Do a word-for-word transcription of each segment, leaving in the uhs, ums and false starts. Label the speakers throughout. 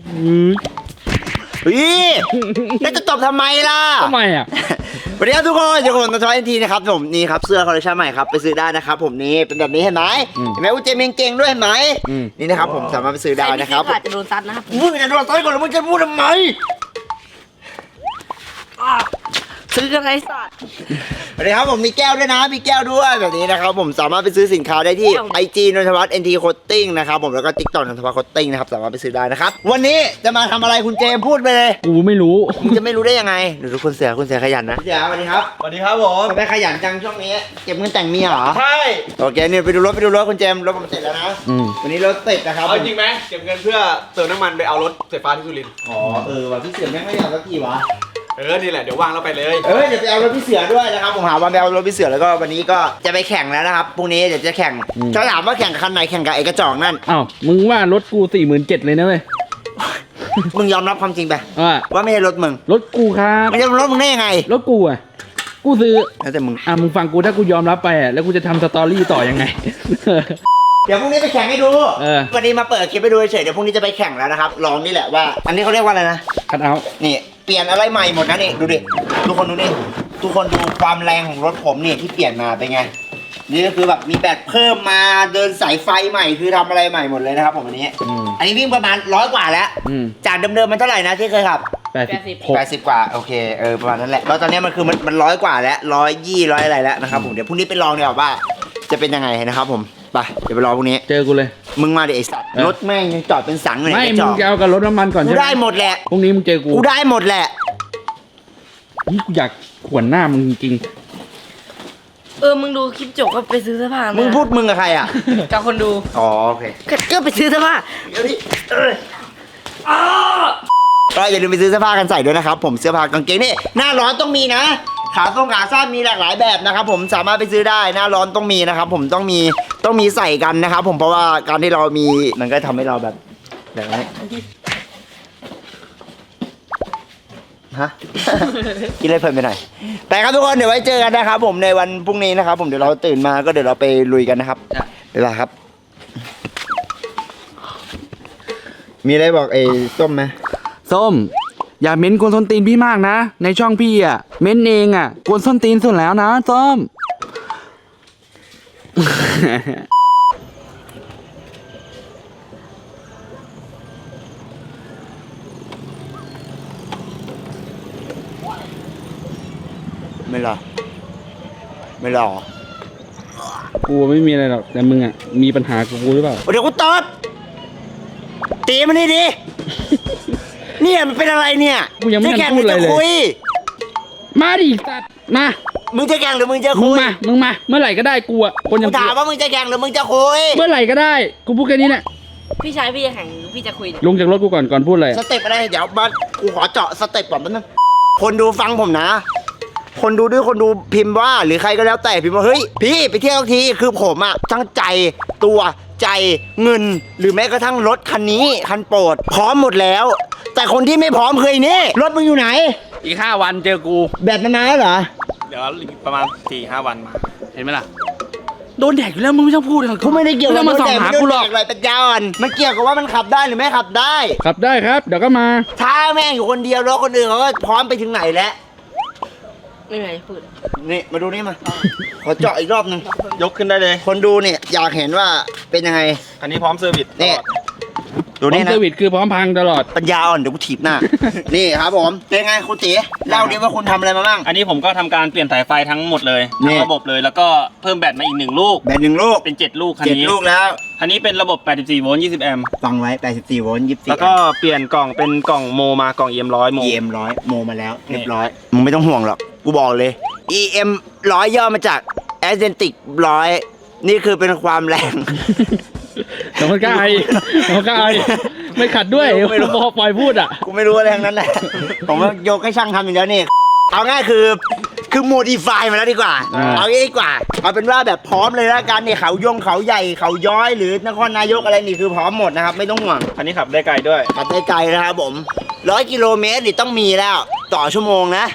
Speaker 1: เฮ้ยแล้วจะตบทำไมล่ะ
Speaker 2: ทำไมอ่ะ
Speaker 1: สวัสดีครับทุกคนอยู่กับผมทอยเอ็นทีนะครับผมนี่ครับเสื้อคอลเลคชันใหม่ครับไปซื้อได้นะครับผมนี่เป็นแบบนี้เห็นไหมเห็นไหมอุจเจมิงเก่งด้วยเห็นไหมนี่นะครับผมสามารถไปซื้อได้นะครับ
Speaker 3: อาจจะโดนซัดนะครับ
Speaker 1: มึงจะโดนซัดก่อนแล้วมึงจะพูดทำไม
Speaker 3: ซื้อกันไรสัตว์
Speaker 1: สวัสดีครับผมมีแก้วด้วยนะมีแก้วด้วยแบบนี้นะครับผมสามารถไปซื้อสินค้าได้ที่ ไอ จี นนทวัฒน์ เอ็น ที Coating นะครับผมแล้วก็ ติ๊กต็อก นนทวัฒน์ Coating นะครับสามารถไปซื้อได้นะครับวันนี้จะมาทำอะไรคุณเจมพูดไปเลย
Speaker 2: กูไม่รู้
Speaker 1: มึงจะไม่รู้ได้ยังไงดูทุกคนเสียคุณเสียขยันนะเดี๋ยวสวัสดีครับ
Speaker 4: สวัสดีครับผม
Speaker 1: ทำไมขยันจังช่วงนี้เก็บเงินแต่งเมียเหรอ
Speaker 4: ใช่
Speaker 1: โอเคเนี่ยไปดูรถไปดูรถคุณเจมรถผมเสร็จแล้วนะวันนี้รถติดนะครับ
Speaker 4: เอาจริงไหมเก็บเงินเพื่อเติมน้ำมันไปเอารถไฟฟ้าที่สุรินทร์
Speaker 1: อ๋อเออว่ะพี่เสือแม่งไม่อยากสักทีวะ
Speaker 4: เออนี่แหละเดี๋ยววางแล้วไปเลย
Speaker 1: เออเดี๋ยวไปเอารถพี่เสือด้วยนะครับผมหาวันไปเอารถพี่เสือแล้วก็วันนี้ก็จะไปแข่งแล้วนะครับพรุ่งนี้เดี๋ยวจะแข่งถ้าถามว่าแข่งคันไหนแข่งกับไอ้กระจอกนั่น
Speaker 2: อ้าวมึงว่ารถกูสี่หมื่นเจ็ดเลยนะเว้ย
Speaker 1: มึงยอมรับความจริงไป
Speaker 2: ว่า
Speaker 1: ว่าไม่ใช่รถมึง
Speaker 2: รถกูครับ
Speaker 1: ไม่ใช่รถมึงได้ยังไง
Speaker 2: รถกูอ่ะกูซื้อ
Speaker 1: แล้วแต่มึง
Speaker 2: อ่ะมึงฟังกูถ้ากูยอมรับไปอ่ะแล้วกูจะทำสตอรี่ต่อยังไง
Speaker 1: เดี๋ยวพรุ่งนี้ไปแข่งให้ดูวันนี้มาเปิดคลิปไปดูเฉยเดี๋ยวพรุ่งนี้จะไปแข่งแล้วนะครับลองนี่แหละว่าอันนี้เขาเรียกว่าอะไรนะ
Speaker 2: คัทเอาท์
Speaker 1: นี่เปลี่ยนอะไรใหม่หมดนะนี่ดูดิทุกคนดูนี่ทุกคนดูความแรงของรถผมเนี่ยที่เปลี่ยนมาเป็นไงนี่ก็คือแบบมีแบตเพิ่มมาเดินสายไฟใหม่คือทำอะไรใหม่หมดเลยนะครับผมอันนี้อันนี้วิ่งประมาณร้อยกว่าแล้วจากเดิมๆมันเท่าไหร่นะที่เคยขับ
Speaker 2: แปดสิบ
Speaker 1: แปดสิบกว่าโอเคเออประมาณนั้นแหละแล้วตอนนี้มันคือมันมันร้อยกว่าแล้วร้อยยี่ร้อยอะไรแล้วนะครับผมเดี๋ยวพรุ่งนี้ไปลองดีกว่าว่าจะเป็นยังไงนะครับผมไปเดี๋ยวไปรอพรุ่งนี้
Speaker 2: เจอกูเลย
Speaker 1: มึงมาดิไอสัตว์รถแม่งยังจอดเป็นสังเลย
Speaker 2: ไม่มึงจะเอากับรถน้ำมันก่อนใช่ไหม
Speaker 1: กูได้หมดแหละ
Speaker 2: พรุ่งนี้มึงเจอกู
Speaker 1: กูได้หมดแหละ
Speaker 2: นี่กูอยากขวนหน้ามึงจริง
Speaker 3: เออมึงดูคลิปจบก็ไปซื้อเสื้อผ้ามึ
Speaker 1: งพูดมึงกับใครอ่ะ
Speaker 3: กับคนดู
Speaker 1: อ๋อโอเค
Speaker 3: ก็ไปซื้อเสื้อผ้า
Speaker 1: เดี๋ยวนี้ก็อย่าลืมไปซื้อเสื้อผ้ากันใส่ด้วยนะครับผมเสื้อผ้ากางเกงนี่หน้าร้อนต้องมีนะขาส้งขาสั้นมีหลากหลายแบบนะครับผมสามารถไปซื้อได้หน้าร้อนต้องมีนะครับผมต้องมีต้องมีใส่กันนะครับผมเพราะว่าการที่เรามีมันก็ทำให้เราแบบแบบนี้ฮะ กินเลยเพลินไปหน่อยแต่ครับทุกคนเดี๋ยวไว้เจอกันนะครับผมในวันพรุ่งนี้นะครับผมเดี๋ยวเราตื่นมาก็เดี๋ยวเราไปลุยกันนะครับเวลาครับมีอะไรบอกไอ้ส้มไหม
Speaker 2: ส้มอย่าเม้นกวนส้นตีนพี่มากนะในช่องพี่อ่ะเม้นเองอ่ะกวนส้นตีนสุดแล้วนะส้ม
Speaker 1: ไม่หรอไม่หรอ
Speaker 2: กูไม่มีอะไรหรอกแต่มึงอ่ะมีปัญหากับกูหรือเปล่า
Speaker 1: เดี๋ยวกูตอบตีมันนี่ดิเนี่ยมันเป็นอะไรเนี่ย
Speaker 2: กูยังไม่ทันพูดอะไรเลยมาดิตัดมา
Speaker 1: มึงจะแข่งหรือมึงจะคุย
Speaker 2: มึงมามึงมาเมื่อไหร่ก็ได้กูอ่ะคนยัง
Speaker 1: ถามว่ามึงจะแข่งหรือมึงจะคุย
Speaker 2: เมื่อไหร่ก็ได้กูพูดแค่นี้แหละ
Speaker 3: พี่ชายพี่จะแข่งหรือพี่จะคุย
Speaker 2: ลงจากรถกูก่อนก่อนพูดอะไร
Speaker 1: สเต็ปอะไรเดี๋ยวมากูขอเจาะสเต็ปก่อนแป๊บนึงคนดูฟังผมนะคนดูด้วยคนดูพิมพ์ว่าหรือใครก็แล้วแต่พิมพ์ว่าเฮ้ยพี่ไปเที่ยวทีคือผมอะทั้งใจตัวใจเงินหรือแม้กระทั่งรถคันนี้คันโปรดพร้อมหมดแล้วแต่คนที่ไม่พร้อมเคยนี่รถมึงอยู่ไหน
Speaker 2: อีกห้าวันเจอกู
Speaker 1: แบตมันนานแล้วเหรอ
Speaker 4: เดี๋ยวประมาณสี่ห้าวันมา
Speaker 2: เห็นไหมล่ะโดนแดกอยู่แล้วมึงไม่ต้องพูด
Speaker 1: เขาไม่ได้เกี่ยวกับ
Speaker 2: มาส่องหากูหรอก
Speaker 1: อะไรเป็นยาอ่อนมันเกี่ยวกับว่ามันขับได้หรือไม่ขับได้
Speaker 2: ขับได้ครับเดี๋ยวก็มา
Speaker 1: ถ้าแม่งอยู่คนเดียวรถคนอื่นเขาก็พร้อมไปถึงไหนแล้ว
Speaker 3: ไม่ไหนพูด
Speaker 1: นี่มาดูนี่มาขอเจาะอีกรอบนึง
Speaker 4: ยกขึ้นได้เลย
Speaker 1: คนดูเนี่ยอยากเห็นว่าเป็นยังไง
Speaker 4: อันนี้พร้อมเซอร์วิส
Speaker 1: นี่ดูนี่นะ
Speaker 2: เซอร์วิสคือพร้อมพังตลอด
Speaker 1: ปัญญาอ่อนเดี๋ยวกูถีบหน้า นี่ครับผมเป็นไงคุณตีเล่าดิว่าคุณทำอะไรมาบ้าง
Speaker 4: อันนี้ผมก็ทำการเปลี่ยนสายไฟทั้งหมดเลยทั้งระบบเลยแล้วก็เพิ่มแบตมาอีกหนึ่งลูก
Speaker 1: แบตหนึ่งลูก
Speaker 4: เป็นเจ็ดลูกคัน
Speaker 1: นี้เจ็ดลูกแล้ว
Speaker 4: อันนี้เป็นระบบแปดสิบสี่โวลต์ยี่สิบแอมป์
Speaker 1: ฟังไว้แปดสิบสี่โวลต์ยี่สิบสี่
Speaker 4: แล้วก็เปลี่ยนกล่องเป็นกล่องโมมากล่อง อี เอ็ม ร้อยโม
Speaker 1: อี เอ็ม ร้อยโมมาแล้วเรียบร้อยมึงไม่ต้องห่วงหรอกกูบอกเลย อี เอ็ม ร้อยย่อมาจาก Authentic ร้อยนี่คือเป็นความแรง
Speaker 2: แต่มันก็ไอมันก็ไอไม่ขัดด้วยไม่รู้พอปล่อยพูดอ่ะ
Speaker 1: กูไม่รู้อะไรทั้งนั้นแหละผมว่ายกให้ช่างทำอย่างเดียวนี่เอาง่ายคือคือโมดิฟายมาแล้วดีกว่าเอางี้ดีกว่าเอาเป็นว่าแบบพร้อมเลยละกันเนี่ยเขายงเขาใหญ่เขาย้อยหรือนครนายกอะไรนี่คือพร้อมหมดนะครับไม่ต้องห่วง
Speaker 4: อันนี้ขับได้ไกลด้วย
Speaker 1: ขับได้ไกลนะครับผมร้อยกิโลเมตรนี่ต้องมีแล้วต่อชั่วโมงนะ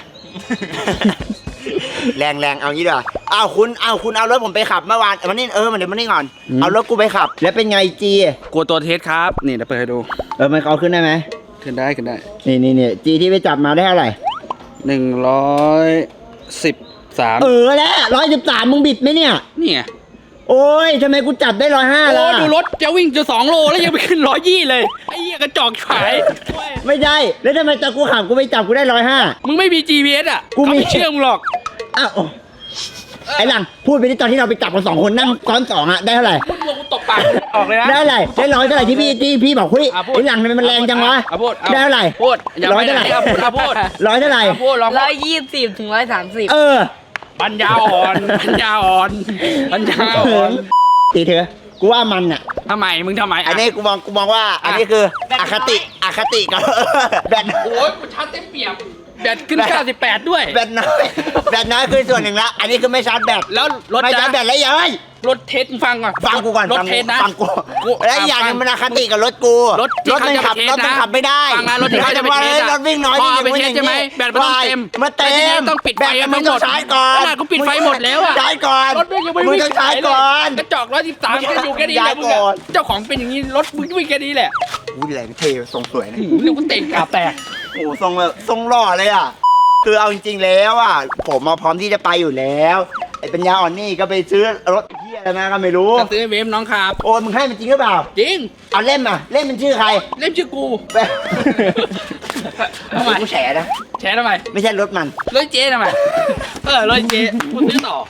Speaker 1: แรงแรงเอางี้ดีกว่าอ้าวคุณอ้าวคุณเอารถผมไปขับเมื่อวานมันนี่เออมันเดี๋ยวมันนี่ก่อนเอารถกูไปขับแล้วเป็นไงจี
Speaker 2: กลัวตัวเทสครับนี่เดี๋ยวเปิดให้ดู
Speaker 1: เออมันเขาขึ้นได้ไหม
Speaker 2: ขึ้นได้ขึ้นได้
Speaker 1: นี่นี่นี่จีที่ไปจับมาได้เท่าไหร่
Speaker 2: หนึ่งร้อยสิบสาม
Speaker 1: เออแล้วร้อยสิบสามมึงบิดไหมเนี่ย
Speaker 2: นี่ไง
Speaker 1: โอ้ยทำไมกูจับได้ร้อยห้า
Speaker 2: โอ้
Speaker 1: ล่ะ
Speaker 2: ดูรถจะวิ่งจะสองโลแล้วยังไปขึ้นร้อยยี่เลยไอ้เหี้ยกระจอกขาย
Speaker 1: ไม่ใช่แล้วทำไมตอนกูขับกูไปจับกูได้ร้อยห้า
Speaker 2: มึงไม่มี จี พี เอส อ่ะ
Speaker 1: กูมี
Speaker 2: เขาไม่เชื่อมึงหรอก
Speaker 1: อ้าวไอ้หลังพูดไปที่ตอนที่เราไปจับกันสองคนนั่งซ้อนสองอะได้เท่าไหร่
Speaker 2: มึงลงกูตบปากออกเลยนะ
Speaker 1: ได้เท่าไหร่ได้ร้อยเท่าไหร่ที่พี่ที่พี่บอกเฮ้ย
Speaker 2: อ่ะพูด
Speaker 1: ไอ้หลังทำไมมันแรงจังวะ
Speaker 2: อ่ะพูดอ่ะ
Speaker 1: ได้เท่าไหร่
Speaker 2: พูดอย่า
Speaker 1: ร้อย
Speaker 2: ไป
Speaker 1: เท่า
Speaker 2: ไห
Speaker 1: ไห
Speaker 2: น
Speaker 1: ร่
Speaker 2: อ่ะพูดอ่ะพูด
Speaker 1: ร้อยเท่าไหร่
Speaker 2: อ่ะพูดลอง
Speaker 3: ร้อยยี่สิบถึงร้อยสามสิบ
Speaker 1: เออ
Speaker 2: ปัญญาอ่อนปัญญาอ่อนปัญญาอ่อน
Speaker 1: ตีเถอะกูว่ามันอะ
Speaker 2: ทำไมมึงทำไม
Speaker 1: อันนี้กูมองกูมองว่า อันนี้คืออคติอคติกับ แบต
Speaker 2: โอ้ยกูชาร์จเต็มเปี่ยมแบตขึ้นเก้าสิบแปดด้วย
Speaker 1: แบตน้อยแบตน้อยคือส่วนหนึ่งละอันนี้คือไม่ชาร์จแบต
Speaker 2: แล้วรถ
Speaker 1: ไม่ชาร์จแบตแล้วเย้ย
Speaker 2: รถเทสมึงฟังก่อน
Speaker 1: ฟังกูก่อน
Speaker 2: รถ
Speaker 1: ฟัง
Speaker 2: เทสนะ
Speaker 1: ฟังกู
Speaker 2: กู
Speaker 1: และอีกอย่างหนึงมันอคติกับรถกู
Speaker 2: รถที่
Speaker 1: รถมันขับ
Speaker 2: เขา
Speaker 1: ร
Speaker 2: จะ
Speaker 1: ถ
Speaker 2: ไปเทสนะ
Speaker 1: มันขับไม่ได้
Speaker 2: ฟังนะรถที่เขาจะไปเทส
Speaker 1: ฮ้ย
Speaker 2: อะ
Speaker 1: รถวิ่งน้อย
Speaker 2: พอ
Speaker 1: นี่
Speaker 2: ไปเทสใช่ไหมแบตมันต้องเต็ม
Speaker 1: มาเต็
Speaker 2: แล้วทีนี้
Speaker 1: ม
Speaker 2: ต้องปิดไฟ
Speaker 1: แบต
Speaker 2: กัน
Speaker 1: มัน
Speaker 2: ทั้งหม
Speaker 1: ต้อ
Speaker 2: ด
Speaker 1: งใช้ก่อน
Speaker 2: ขนาดกูปิดไฟหมดแล้วอะ
Speaker 1: ใช้ก่อน
Speaker 2: รถไม่ยังไม่
Speaker 1: มึง
Speaker 2: วิ่ง
Speaker 1: ต้องใช้
Speaker 2: ขายเลย
Speaker 1: ก่อน
Speaker 2: กระจอกร้อยสิบสามก็อยู่แค่นี้แหละมึง
Speaker 1: ย้ายก่อน
Speaker 2: อะเจ้าของเป็นอย่างนี้รถมึงวิ่งแค่นี้แหละ
Speaker 1: อุ้ยแรงเท่ทรงสวยนะ
Speaker 2: เรียกว่าเตะกาแตก
Speaker 1: โอ้ทรงแบบทรงหล่อเลยอ่ะคือเอาจริงๆแล้วอ่ะผมมาพร้อมที่จะไปอยู่แล้วไอ้ปัญญาอ่อนนี่ก็ไปซื้อรถเที่ยอะไรมาก็ไม่รู้
Speaker 2: จะซื้อเวฟน้องครับ
Speaker 1: โอ้มึงให้มันจริงหรือเปล่า
Speaker 2: จริง
Speaker 1: เอาเล่มอ่ะเล่มมันชื่อใคร
Speaker 2: เล่มชื่อกู
Speaker 1: ไป
Speaker 2: ทำไม
Speaker 1: กูแฉนะ
Speaker 2: แชร์ทำไม
Speaker 1: ไม่ใช่รถมัน
Speaker 2: รถเจ๊ทำไมเออรถเจ๊พูดซื้อต่อ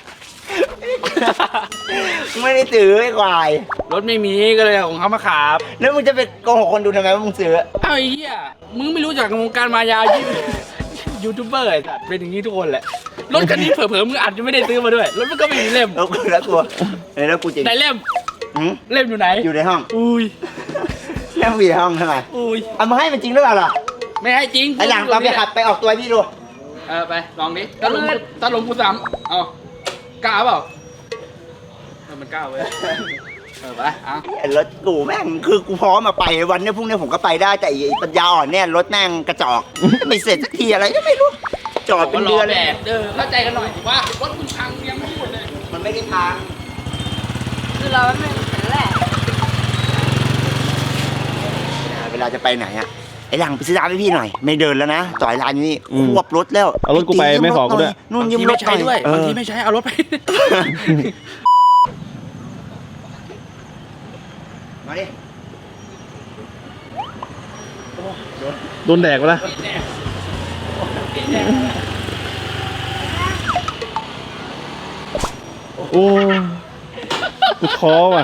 Speaker 1: ไม่ได้ซื้อไอ้ควาย
Speaker 2: รถไม่มีก็เลยเอาของเขามาขับ
Speaker 1: แล้วมึงจะไปโกหกคนดูทำไมว่ามึงซื้อ
Speaker 2: เอ้าไอ้เหี้ยมึงไม่รู้จักวงการมายายูยูทูบเบอร์ไอ้สัตว์เป็นอย่างนี้ทุกคนแหละรถคันนี้เผลอๆมึงอาจจะไม่ได้ซื้อมาด้วยรถมันก็ไม่มีเล่ม
Speaker 1: แล้วกูแล้วกูเออแล้วกูจริง
Speaker 2: ไหนเล่ม
Speaker 1: หืม
Speaker 2: เล่มอยู่ไหน
Speaker 1: อยู่ในห้อง
Speaker 2: อุ้ย
Speaker 1: เล่มอยู่ในห้องทำไม
Speaker 2: อุ้ย
Speaker 1: เอามาให้มันจริงหรือเปล่าล่ะ
Speaker 2: ไม่ให้จริง
Speaker 1: ไอ้หลังตอนไปขับไปออกตัวให้พี่ดู
Speaker 2: เออไปลองดิถ้าลงถ้าลงกูซ้ำเอากล้าเปล่าเออมันกล้าเว้ยเออไปเอา
Speaker 1: ไอ้รถกูแม่งคือกูพร้อมมาไปวันนี้พรุ่งนี้ผมก็ไปได้แต่ไอ้ปัญญาอ่อนเนี่ยรถแม่งกระจอก ไม่เสร็จสักทีอะไรก็ไม่รู้ จอดเป็นเดือน
Speaker 2: แด
Speaker 1: เลย
Speaker 2: ดเออเข้าใจกันหน่อยว่ารถคุณพังยังไม่พูดเลย
Speaker 1: มันไม่ได้ทาง
Speaker 3: คือเราไม่เป็นแหละ
Speaker 1: เวลาจะไปไหนอะไอ้หลังไปซื้อร้านให้พี่หน่อย ไม่เดินแล้วนะจอดร้านอยู่นี่
Speaker 5: อืม
Speaker 1: ควบรถแล้ว
Speaker 5: เอารถกูไปไม่ขอกูด้วย
Speaker 1: นู่น
Speaker 2: บาง
Speaker 1: ยื
Speaker 2: ที
Speaker 1: มร
Speaker 2: ไม่
Speaker 1: ถ
Speaker 2: ใช้ด้วย
Speaker 1: เออบ
Speaker 2: างทีไม่ใช้เอารถไป
Speaker 1: มาดิ
Speaker 5: โดนแดกไปละโอ้กูท้อว่ะ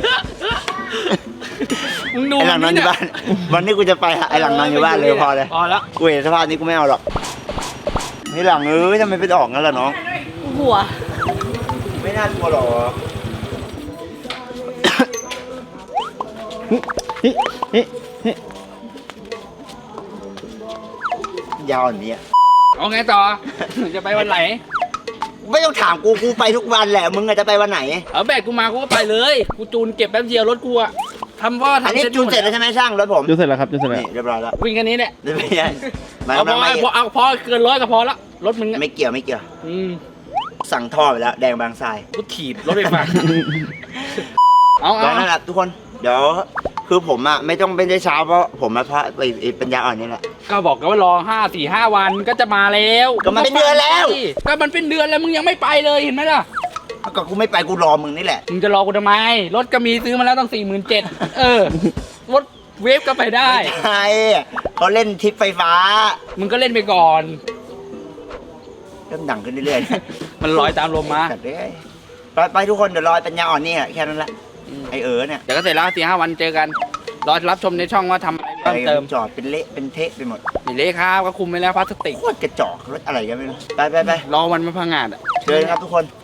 Speaker 2: มึงดู
Speaker 1: ไอ้หลังนอนอยู่บ้าน วันนี้กูจะไปหาไอ้หลังนอนอยู่บ้านเลยพอเลย
Speaker 2: พอแล้ว
Speaker 1: กูเห็นสภาพนี้กูไม่เอาหรอกไอ้หลังเอ้ยทำไมไปออกงั้นล่ะน้อง
Speaker 3: หัว
Speaker 1: ไม่น่ากลัวหรอก
Speaker 5: นี่นี่นี่
Speaker 1: ยาวอย่างนี้
Speaker 2: เอาไงต่อ จะไปวันไหน
Speaker 1: ไม่ต้องถามกูกูไปทุกวันแหละมึงอะจะไปวันไหน
Speaker 2: เอาแบกกูมากูก็ไปเลย กูจูนเก็บแป๊บเดียวรถกูอะทำว่า
Speaker 1: อัน
Speaker 2: ทำ
Speaker 1: นี้จูนเสร็จแล้วใช่ไหมช่างรถผม
Speaker 5: จุดเสร็จแล้วครับจุดเสร็จแล้ว
Speaker 1: นี่เรียบร้อยแล้ว
Speaker 2: วิ่งแค่นี้แหละ
Speaker 1: เดี๋ยวไม่ใช่มา
Speaker 2: เอาพ
Speaker 1: มา
Speaker 2: อ
Speaker 1: ไม่
Speaker 2: พอเอาพอเกินร้อยก็พอละรถมึงอะ
Speaker 1: ไม่เกี่ยวไม่เกี่ยว
Speaker 2: อืม
Speaker 1: สั่งท่อไปแล้วแดงบางทราย
Speaker 2: กูถีบรถไปฟังเอา
Speaker 1: แล้
Speaker 2: เอา
Speaker 1: วนั่นแหละทุกคนเดี๋ยวคือผมอะไม่ต้องเป็นได้เช้าเพราะผมมาเพราะไอ้ไอ้ปัญญาอ่อนนี่แหละ
Speaker 2: ก็บอกกันว่ารอห้าสี่ห้าวันก็จะมาแล้ว
Speaker 1: ก็มันเป็นเดือนแล้ว
Speaker 2: ก็มันเป็นเดือนแล้วมึงยังไม่ไปเลยเห็นไหมล่ะ
Speaker 1: ก็กูไม่ไปกูรอมึงนี่แหละ
Speaker 2: มึงจะรอกูทำไม รถก็มีซื้อมาแล้วตั้งสี่หมื่นเจ็ดเออ รถเวฟก็ไปได้
Speaker 1: ใช่เขาเล่นทริปไฟฟ้า
Speaker 2: มึงก็เล่นไปก่อน
Speaker 1: เริ่มดังขึ้นเรื่อยๆ
Speaker 2: มันลอยตามลมมา
Speaker 1: จัดเลยไปไปทุกคนเดี๋ยวรอปัญญาอ่อนนี่แค่นั้นแหละไอเอ๋อเนี่ย
Speaker 2: เดี๋ยวก็เสร็จแล้วสี่ห้าวันเจอกัน รอรับชมในช่องว่าทำอะไรเพิ่มเติม
Speaker 1: จอดเป็นเละเป็นเทะไปหมด
Speaker 2: นี่เละครับก็คุมไปแล้วพลาสติก
Speaker 1: โคตรกระจอกรถอะไรกันไม่รู้ไปไปไป
Speaker 2: รอวันมาพังงานอ่ะ
Speaker 1: เชิญครับทุกคน